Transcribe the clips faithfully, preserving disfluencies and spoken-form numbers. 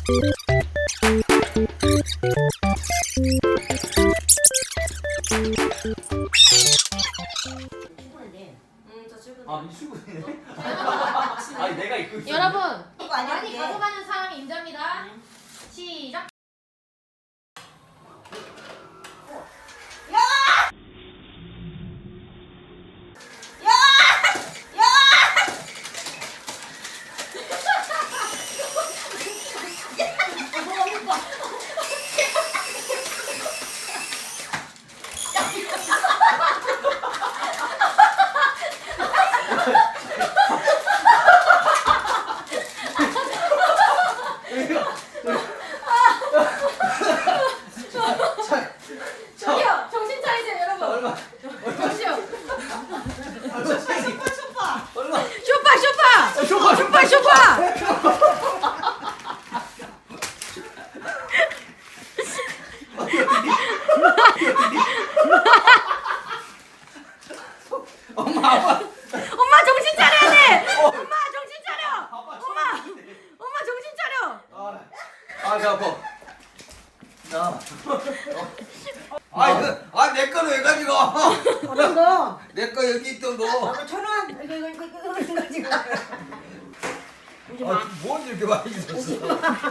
아, 미출근이네? 아니, 내가 입고 있어. 여러분, 이거 아니야, 많이 그게? 가져가는 사람이 임자입니다. 시작. 저기요, 정신 차리세요, 여러분. 얼마? 정시요. 얼마? 쇼파, 쇼파. 쇼파, 쇼파, 쇼파. 엄마, 아빠. 엄마 정신 차려야 돼. 엄마 정신 차려. 엄마, 엄마 정신 차려. 아, 아, 배 아파. 나. 아, 그, 아, 내 거는 왜 가져가? 어떤 거? 내 거 여기 있던 거. 아, 천 원. 이거 이거 이거 이거 이거 가지고. 아, 뭘 이렇게 많이 줬어?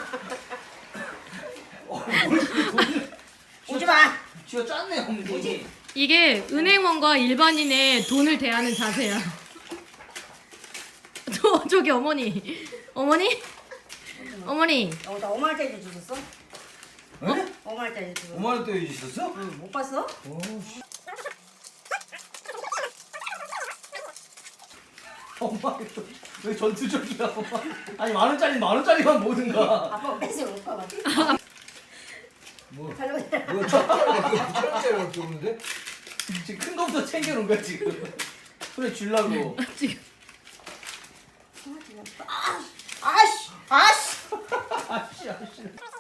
어, 뭘 이렇게 돈을. 오지 마. 쥐어 짰네, 어머니. 이게 은행원과 일반인의 돈을 대하는 자세야. 저 저기 어머니, 어머니, 어머니. 어, 나 오만 원짜리 주셨어? 응? 오만 원짜리 주셨어? 오만 원대 있었어? 응, 못 봤어? 오, 씨. 엄마, 왜 전투적이야, 엄마? 아니, 만 원짜리, 만 원짜리만 모든가. 아빠 뺏어 못 봐. 뭐, 잘못. 뭐, 천짜리 밖에 없는데? 지금 큰 거부터 챙겨놓은 거야, 지금. 그래, 주려고. 지금 아씨, 아씨. 아씨, 아씨.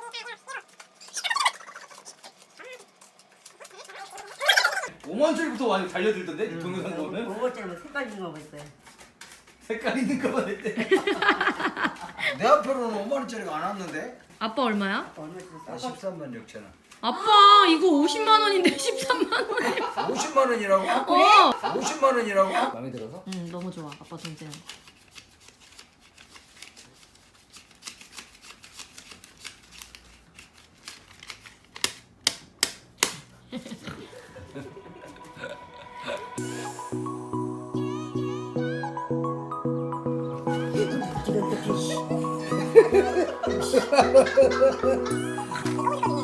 오만 원짜리부터 많이 달려들던데? 동영상 보면? 오만 원짜리 뭐 색깔 있는 거 있어요. 색깔 있는 거만 했대. 내 앞으로는 오만 원짜리가 안 왔는데? 아빠 얼마야? 얼마 주셨어? 아, 십삼만 육천 원. 아빠 이거 오십만 원인데 십삼만 원이야. 오십만 원이라고? 어. 오십만 원이라고? 마음에 들어서? 응 너무 좋아 아빠 돈 쓰는 거. 지금 특히.